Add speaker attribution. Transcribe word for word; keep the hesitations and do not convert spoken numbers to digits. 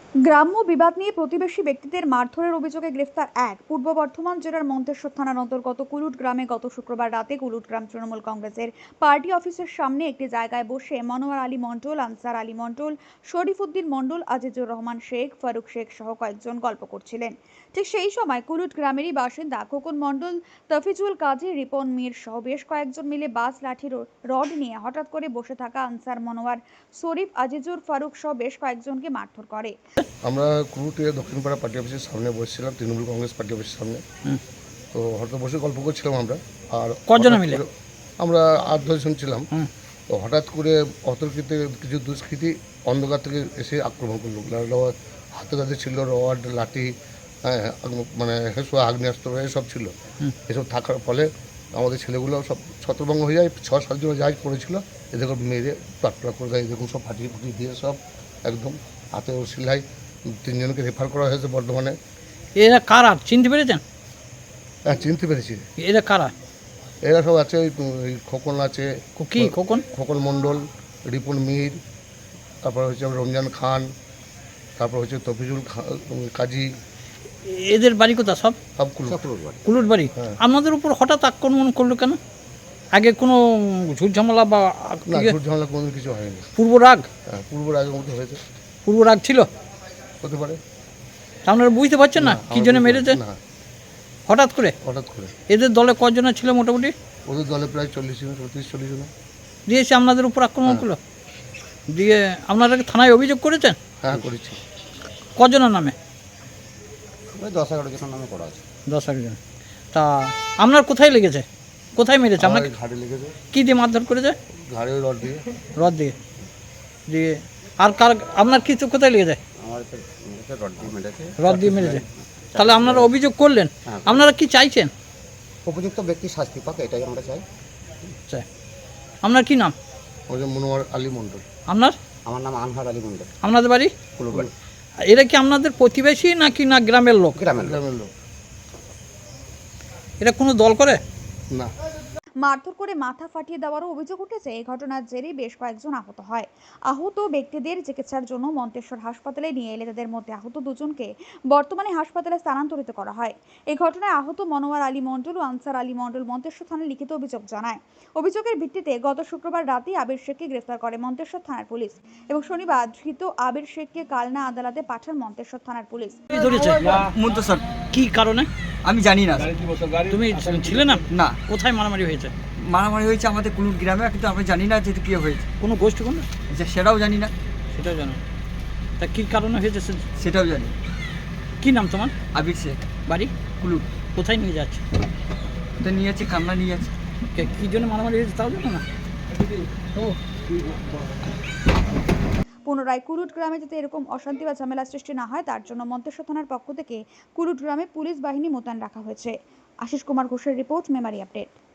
Speaker 1: গ্রাম্য বিবাদ নিয়ে প্রতিবেশী ব্যক্তিদের মারধরের অভিযোগে গ্রেফতার এক। পূর্ব বর্ধমান জেলার মন্তেশ্বর থানার অন্তর্গত কুলুট গ্রামে গত শুক্রবার রাতে কুলুট গ্রাম তৃণমূল কংগ্রেসের পার্টি অফিসের সামনে একটি জায়গায় বসে মনোয়ার আলী মণ্ডল, আনসার আলী মণ্ডল, শরীফউদ্দিন মণ্ডল, আজিজুর রহমান শেখ, ফারুক শেখ সহ কয়েকজন গল্প করছিলেন। ঠিক সেই সময় কুলুট গ্রামেরই বাসিন্দা খোকন মণ্ডল, তফিজুল কাজী, রিপন মীর সহ বেশ কয়েকজন মিলে বাস লাঠি রড নিয়ে হঠাৎ করে বসে থাকা আনসার, মনোয়ার, শরীফ, আজিজুর, ফারুক সহ বেশ কয়েকজনকে মারধর করে।
Speaker 2: আমরা কুলুটে দক্ষিণপাড়া পার্টি অফিসের সামনে বসেছিলাম, তৃণমূল কংগ্রেস পার্টি অফিসের সামনে। তো হঠাৎ বসে গল্প করছিলাম আমরা। আর
Speaker 3: কজন মিলে?
Speaker 2: আমরা আট দশ জন ছিলাম। তো হঠাৎ করে অতর্কিত কিছু দুষ্কৃতী অন্ধকার থেকে এসে আক্রমণ করলো। হাতে কাছে ছিল রড, লাঠি, হ্যাঁ, মানে আগ্নেয়াস্ত্র এসব ছিল। এসব থাকার ফলে আমাদের ছেলেগুলো সব ছত্রভঙ্গ হয়ে যায়। ছ সাতজন জাহাজ পড়েছিল, এদেরকে মেরে টাটপড়া করে দেয়। এরকম সব ফাটিয়ে ফুটিয়ে দিয়ে সব একদম হাতে ও সিলাই তিনজনকে রেফার করা হয়েছে বর্ধমানে।
Speaker 3: এরা কারা চিনতে পেরেছেন?
Speaker 2: হ্যাঁ, চিনতে পেরেছি।
Speaker 3: এরা কারা?
Speaker 2: এরা সব আছে, ওই খোকন আছে,
Speaker 3: কি খোকন?
Speaker 2: খোকন মণ্ডল, রিপন মীর, তারপর হচ্ছে রমজান খান, তারপর হচ্ছে তফিজুল কাজী।
Speaker 3: এদের বাড়ি কোথা? সব
Speaker 2: সব কুলুট বাড়ি।
Speaker 3: কুলুট বাড়ি। আপনাদের উপর হঠাৎ আক্রমণ করলো কেন? আগে কোনো ঝুট ঝামেলা বা
Speaker 2: না, ঝুট ঝামেলা কোনো কিছু হয়নি।
Speaker 3: পূর্ব রাগ?
Speaker 2: হ্যাঁ, পূর্ব রাগের মধ্যে হয়েছে।
Speaker 3: পূর্ব রাগ ছিল?
Speaker 2: হতে পারে।
Speaker 3: আপনারা বুঝতে পারছেন না কি জন্য মেরেছে?
Speaker 2: না,
Speaker 3: হঠাৎ করে?
Speaker 2: হঠাৎ করে।
Speaker 3: এদের দলে কজন ছিল মোটামুটি?
Speaker 2: ওদের দলে প্রায় চল্লিশ জন, পঁয়ত্রিশ চল্লিশ জন।
Speaker 3: দিয়েছে আপনাদের উপর আক্রমণ করলো? দিয়ে আপনারা থানায় অভিযোগ করেছেন?
Speaker 2: হ্যাঁ, করেছি।
Speaker 3: কজনের নামে?
Speaker 2: ওই দশ এগারো জনের নামে করা আছে।
Speaker 3: দশ এগারো জন। তা আপনার কোথায় লেগেছে? কোথায় মেরেছে আপনাকে?
Speaker 2: ঘাড়ে লেগেছে।
Speaker 3: কী দিয়ে মারধর করেছে?
Speaker 2: ঘাড়ে রড দিয়ে।
Speaker 3: রড দিয়ে? দিয়ে আর কার আপনার কিছু কোথায় লেগেছে?
Speaker 2: আমার রড দিয়ে মেরেছে।
Speaker 3: রড দিয়ে মেরেছে। তাহলে আপনারা অভিযোগ করলেন, আপনারা কি চাইছেন?
Speaker 2: উপযুক্ত ব্যক্তি শাস্তি পাক, এটাই আমরা চাই।
Speaker 3: চাই। আপনার কি নাম?
Speaker 2: মনোয়ার আলী মণ্ডল।
Speaker 3: আপনার?
Speaker 2: আমার নাম আনহার আলী মণ্ডল।
Speaker 3: আপনাদের বাড়ি?
Speaker 2: কুলুট বাড়ি।
Speaker 3: এরা কি আপনাদের প্রতিবেশী নাকি না গ্রামের লোক?
Speaker 2: গ্রামের গ্রামের লোক।
Speaker 3: এরা কোনো দল করে
Speaker 2: না।
Speaker 1: মারধর করে মাথা ফাটিয়ে দেওয়ারও অভিযোগ উঠেছে। এই ঘটনার জেরে বেশ কয়েকজন আহত হয়। আহত ব্যক্তিদের চিকিৎসার জন্য মন্তেশ্বর হাসপাতালে নিয়ে এলে তাদের মধ্যে আহত দুজনকে বর্তমানে হাসপাতালে স্থানান্তরিত করা হয়। এই ঘটনায় আহত মনোয়ার আলী মণ্ডল ও আনসার আলী মণ্ডল মন্তেশ্বর থানায় লিখিত অভিযোগ জানায়। অভিযোগের ভিত্তিতে গত শুক্রবার রাতে আবির শেখকে গ্রেফতার করে মন্তেশ্বর থানার পুলিশ এবং শনিবার ধৃত আবির শেখকে কালনা আদালতে পাঠান মন্তেশ্বর থানার পুলিশ।
Speaker 3: কি কারণে
Speaker 4: আমি জানি না।
Speaker 3: তুমি ছিলে না?
Speaker 4: না।
Speaker 3: কোথায় মারামারি হয়েছে?
Speaker 4: মারামারি হয়েছে আমাদের কুলুট গ্রামে, কিন্তু আমরা জানি না যে কী হয়েছে।
Speaker 3: কোনো গোষ্ঠী কোনো?
Speaker 4: যে সেটাও জানি না।
Speaker 3: সেটাও জানো? তা কী কারণে হয়েছে
Speaker 4: সেটাও জানি।
Speaker 3: কি নাম তোমার?
Speaker 4: আবির শেখ।
Speaker 3: বাড়ি?
Speaker 4: কুলুট।
Speaker 3: কোথায় নিয়ে যাচ্ছে?
Speaker 4: ওটা নিয়ে যাচ্ছে, কান্না নিয়ে যাচ্ছে।
Speaker 3: কী জন্য মারামারি হয়েছে তাও জানো না? ও
Speaker 1: পুনরায় কুলুট গ্রামে যাতে এরকম অশান্তি বা ঝামেলা সৃষ্টি না হয় তার জন্য মন্তেশ্বর থানার পক্ষ থেকে কুলুট গ্রামে পুলিশ বাহিনী মোতায়েন রাখা হয়েছে। আশিস কুমার ঘোষের রিপোর্ট, মেমারি আপডেট।